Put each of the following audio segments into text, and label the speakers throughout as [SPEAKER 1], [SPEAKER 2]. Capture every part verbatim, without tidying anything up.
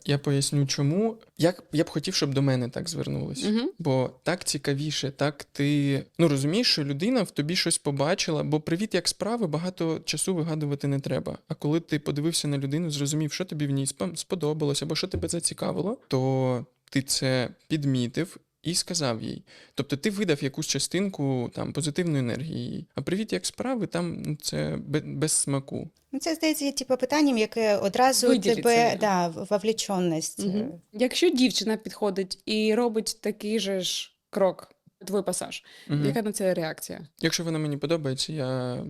[SPEAKER 1] я поясню чому. Як я б хотів, щоб до мене так звернулись.
[SPEAKER 2] Угу.
[SPEAKER 1] Бо так цікавіше, так ти ну розумієш, що людина в тобі щось побачила, бо привіт, як справи, багато часу вигадувати не треба. А коли ти подивився на людину, зрозумів, що тобі в ній спом- сподобалось або що тебе зацікавило, то ти це підмітив і сказав їй. Тобто ти видав якусь частинку там позитивної енергії їй. А привіт, як справи, там ну, це бе- без смаку.
[SPEAKER 3] Ну, це, здається, є типу питанням, яке одразу
[SPEAKER 2] Виділить
[SPEAKER 3] тебе,
[SPEAKER 2] себе.
[SPEAKER 3] да, вовлеченість.
[SPEAKER 2] Угу. Якщо дівчина підходить і робить такий же ж крок, твій пасаж,
[SPEAKER 1] Мгм.
[SPEAKER 2] яка на це реакція?
[SPEAKER 1] Якщо вона мені подобається, я,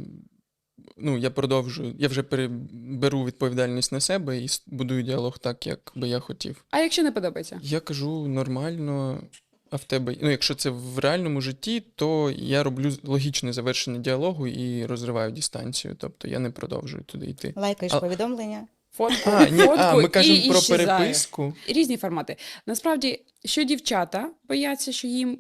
[SPEAKER 1] ну, я продовжую, я вже пере- беру відповідальність на себе і с- будую діалог так, як би я хотів.
[SPEAKER 2] А якщо не подобається?
[SPEAKER 1] Я кажу нормально, а в тебе, ну, якщо це в реальному житті, то я роблю логічне завершення діалогу і розриваю дистанцію, тобто я не продовжую туди йти.
[SPEAKER 3] Лайкаєш
[SPEAKER 1] А-
[SPEAKER 3] повідомлення.
[SPEAKER 2] Фотку,
[SPEAKER 1] А, ні,
[SPEAKER 2] фотку
[SPEAKER 1] а ми
[SPEAKER 2] і
[SPEAKER 1] кажемо про
[SPEAKER 2] іщезає.
[SPEAKER 1] переписку.
[SPEAKER 2] Різні формати. Насправді, що дівчата бояться, що їм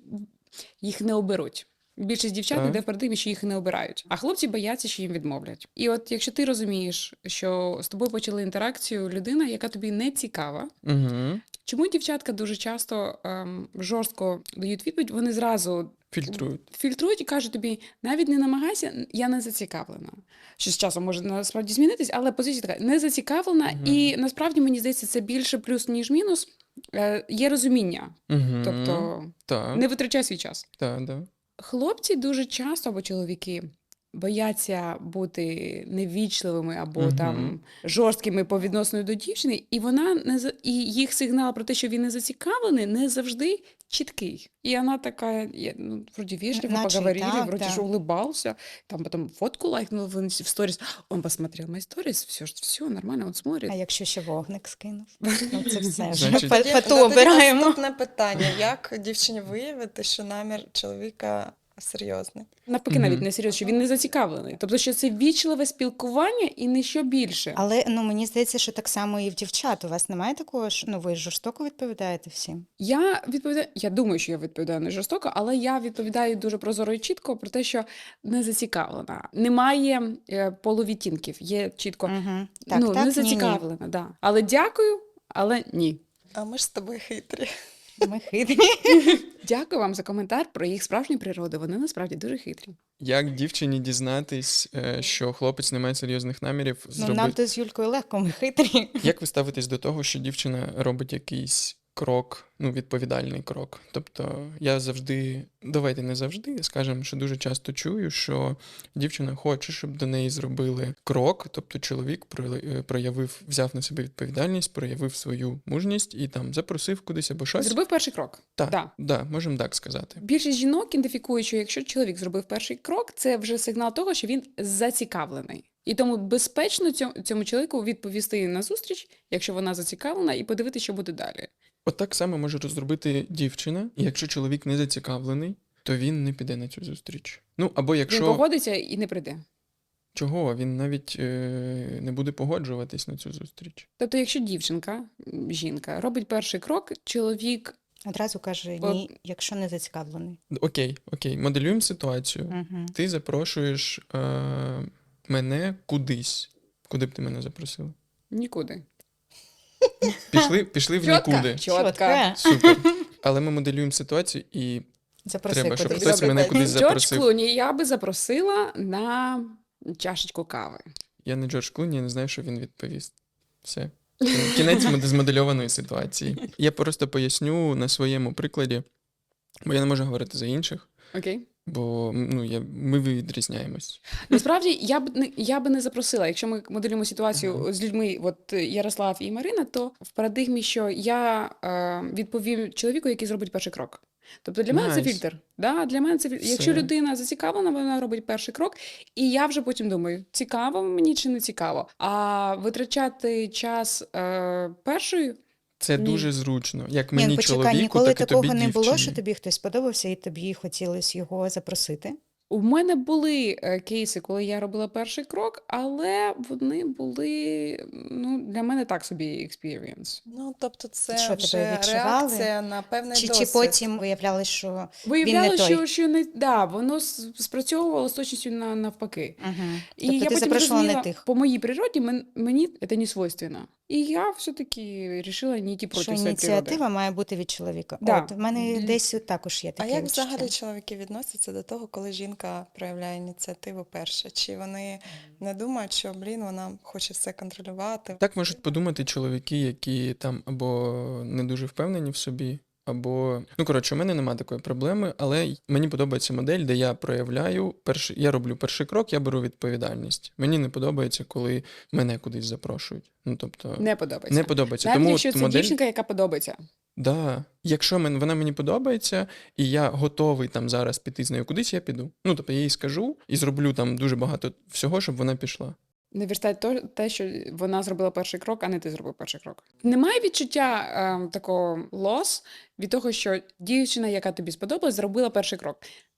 [SPEAKER 2] їх не оберуть. Більшість дівчат
[SPEAKER 1] Так.
[SPEAKER 2] йде в парадигмі, що їх не обирають. А хлопці бояться, що їм відмовлять. І от якщо ти розумієш, що з тобою почали інтеракцію людина, яка тобі не цікава,
[SPEAKER 1] Угу.
[SPEAKER 2] чому дівчатка дуже часто ем, жорстко дають відповідь, вони зразу
[SPEAKER 1] Фільтрують.
[SPEAKER 2] фільтрують і кажуть тобі, навіть не намагайся, я не зацікавлена. Що з часом може насправді змінитись, але позиція така, не зацікавлена,
[SPEAKER 1] Мгм.
[SPEAKER 2] і насправді, мені здається, це більше плюс, ніж мінус. Е, є розуміння,
[SPEAKER 1] Угу.
[SPEAKER 2] тобто
[SPEAKER 1] так,
[SPEAKER 2] не витрачай свій час.
[SPEAKER 1] так, так.
[SPEAKER 2] Хлопці дуже часто, або чоловіки, бояться бути невічливими або
[SPEAKER 1] Мгм.
[SPEAKER 2] там жорсткими по відношенню до дівчини, і вона не за- і їх сигнал про те, що він не зацікавлений, не завжди чіткий. І вона така, я, ну, вроді вежливо
[SPEAKER 3] Наче
[SPEAKER 2] поговорили,
[SPEAKER 3] так,
[SPEAKER 2] вроді
[SPEAKER 3] да.
[SPEAKER 2] ж улыбался, там потом фотку лайкнул в, инс- в сторис, он посмотрел мои сторис, все, все нормально, он смотрит.
[SPEAKER 3] А якщо ще вогник скинув? Ну, це все вже
[SPEAKER 1] Значить-
[SPEAKER 3] по-
[SPEAKER 4] Тоді-
[SPEAKER 3] по
[SPEAKER 4] ну,
[SPEAKER 3] ту
[SPEAKER 4] тоді
[SPEAKER 3] обираємо.
[SPEAKER 4] Наступне питання. Як дівчині виявити, що намір чоловіка серйозний?
[SPEAKER 2] Навпаки,
[SPEAKER 1] Мгм.
[SPEAKER 2] навіть не серйозно, що він не зацікавлений. Тобто, що це вічливе спілкування і не що більше.
[SPEAKER 3] Але ну, мені здається, що так само і в дівчат. У вас немає такого, що ну, ви жорстоко відповідаєте всім?
[SPEAKER 2] Я відповідаю, я думаю, що я відповідаю не жорстоко, але я відповідаю дуже прозоро і чітко про те, що не зацікавлена. Немає е, полувідтінків, є чітко
[SPEAKER 3] Угу. Так,
[SPEAKER 2] ну,
[SPEAKER 3] так,
[SPEAKER 2] не
[SPEAKER 3] ні, ні.
[SPEAKER 2] зацікавлена. Да. Але дякую, але ні.
[SPEAKER 4] А ми ж з тобою хитрі.
[SPEAKER 3] Ми хитрі.
[SPEAKER 2] Дякую вам за коментар про їх справжню природу. Вони насправді дуже хитрі.
[SPEAKER 1] Як дівчині дізнатись, е, що хлопець не має серйозних намірів
[SPEAKER 3] Ну,
[SPEAKER 1] зробити?
[SPEAKER 3] нам то з Юлькою легко, ми хитрі.
[SPEAKER 1] Як ви ставитесь до того, що дівчина робить якийсь крок, ну, відповідальний крок? Тобто я завжди, давайте не завжди, скажемо, що дуже часто чую, що дівчина хоче, щоб до неї зробили крок, тобто чоловік прояви- е, проявив, взяв на себе відповідальність, проявив свою мужність і там запросив кудись або щось.
[SPEAKER 2] Зробив перший крок.
[SPEAKER 1] Так,
[SPEAKER 2] Да.
[SPEAKER 1] да, можемо так сказати.
[SPEAKER 2] Більшість жінок ідентифікують, що якщо чоловік зробив перший крок, це вже сигнал того, що він зацікавлений. І тому безпечно цьому, цьому чоловіку відповісти на зустріч, якщо вона зацікавлена, і подивитися, що буде далі.
[SPEAKER 1] От так само може розробити дівчина, і якщо чоловік не зацікавлений, то він не піде на цю зустріч. Ну, або якщо...
[SPEAKER 2] Він погодиться і не прийде.
[SPEAKER 1] Чого? Він навіть е, не буде погоджуватись на цю зустріч.
[SPEAKER 2] Тобто, якщо дівчинка, м, жінка, робить перший крок, чоловік
[SPEAKER 3] Одразу каже ні, якщо не зацікавлений.
[SPEAKER 1] Окей, окей, моделюємо ситуацію.
[SPEAKER 3] Угу.
[SPEAKER 1] Ти запрошуєш е, мене кудись. Куди б ти мене запросила?
[SPEAKER 2] нікуди.
[SPEAKER 1] Пішли, пішли в нікуди.
[SPEAKER 2] Чотка.
[SPEAKER 1] Супер. Але ми моделюємо ситуацію і
[SPEAKER 3] Запроси
[SPEAKER 1] треба, щоб
[SPEAKER 3] кудись.
[SPEAKER 1] хтось
[SPEAKER 4] Добре,
[SPEAKER 1] мене
[SPEAKER 4] так.
[SPEAKER 1] кудись
[SPEAKER 2] Джордж
[SPEAKER 1] запросив.
[SPEAKER 2] Клуні я би запросила на чашечку кави.
[SPEAKER 1] Я не Джордж Клуні, я не знаю, що він відповість. Все. Кінець моди- змодельованої ситуації. Я просто поясню на своєму прикладі, бо я не можу говорити за інших,
[SPEAKER 2] Окей?
[SPEAKER 1] бо ну, я, ми відрізняємось.
[SPEAKER 2] Насправді, я б не я би не запросила. Якщо ми моделюємо ситуацію з людьми, от Ярослав і Марина, то в парадигмі, що я е, відповім чоловіку, який зробить перший крок. Тобто для мене це
[SPEAKER 1] Nice.
[SPEAKER 2] фільтр. Да? Для мене це фільтр. Якщо
[SPEAKER 1] Все.
[SPEAKER 2] людина зацікавлена, вона робить перший крок, і я вже потім думаю, цікаво мені чи не цікаво. А витрачати час е, першою.
[SPEAKER 1] Це
[SPEAKER 2] Ні.
[SPEAKER 1] дуже зручно. Як
[SPEAKER 3] Ні,
[SPEAKER 1] мені
[SPEAKER 3] ну, почекай,
[SPEAKER 1] чоловіку,
[SPEAKER 3] ніколи
[SPEAKER 1] так і
[SPEAKER 3] такого
[SPEAKER 1] тобі
[SPEAKER 3] не було,
[SPEAKER 1] дівчині.
[SPEAKER 3] що тобі хтось сподобався і тобі хотілося його запросити.
[SPEAKER 2] У мене були е, кейси, коли я робила перший крок, але вони були ну, для мене так собі experience.
[SPEAKER 4] Ну, тобто це
[SPEAKER 3] Що, тебе
[SPEAKER 4] вже
[SPEAKER 3] відчували?
[SPEAKER 4] реакція на певний
[SPEAKER 3] Чи, чи
[SPEAKER 4] досвід.
[SPEAKER 3] потім виявлялось, що
[SPEAKER 2] Виявляла,
[SPEAKER 3] Він не той.
[SPEAKER 2] що, що не да, воно с- спрацьовувало з точністю на навпаки.
[SPEAKER 3] угу.
[SPEAKER 2] І
[SPEAKER 3] Тобто
[SPEAKER 2] я
[SPEAKER 3] ти
[SPEAKER 2] потім
[SPEAKER 3] запрошувала не
[SPEAKER 2] зрозуміла,
[SPEAKER 3] тих.
[SPEAKER 2] по моїй природі мен, мені це не свойственно. І я все-таки вирішила не йти
[SPEAKER 3] Що
[SPEAKER 2] проти своєї природи.
[SPEAKER 3] ініціатива має бути від чоловіка.
[SPEAKER 2] Да.
[SPEAKER 3] От в мене
[SPEAKER 2] Д-
[SPEAKER 3] десь також є
[SPEAKER 4] А
[SPEAKER 3] таке
[SPEAKER 4] як
[SPEAKER 3] відчуття.
[SPEAKER 4] взагалі чоловіки відносяться до того, коли жінка проявляє ініціативу перше? Чи вони не думають, що, блін, вона хоче все контролювати?
[SPEAKER 1] Так можуть подумати чоловіки, які там або не дуже впевнені в собі, або. Ну, коротше, у мене немає такої проблеми, але й- мені подобається модель, де я проявляю перший, я роблю перший крок, я беру відповідальність. Мені не подобається, коли мене кудись запрошують. Ну, тобто,
[SPEAKER 2] Не подобається.
[SPEAKER 1] не подобається.
[SPEAKER 2] Навіть
[SPEAKER 1] Тому
[SPEAKER 2] якщо
[SPEAKER 1] от
[SPEAKER 2] це
[SPEAKER 1] модель,
[SPEAKER 2] дівчинка, яка подобається.
[SPEAKER 1] да, якщо мен, вона мені подобається, і я готовий там зараз піти з нею кудись, я піду. Ну, тобто я їй скажу і зроблю там дуже багато всього, щоб вона пішла.
[SPEAKER 2] Не віртай то, те, що вона зробила перший крок, а не ти зробив перший крок. Немає відчуття е, такого лос від того, що дівчина, яка тобі сподобалась, зробила перший крок.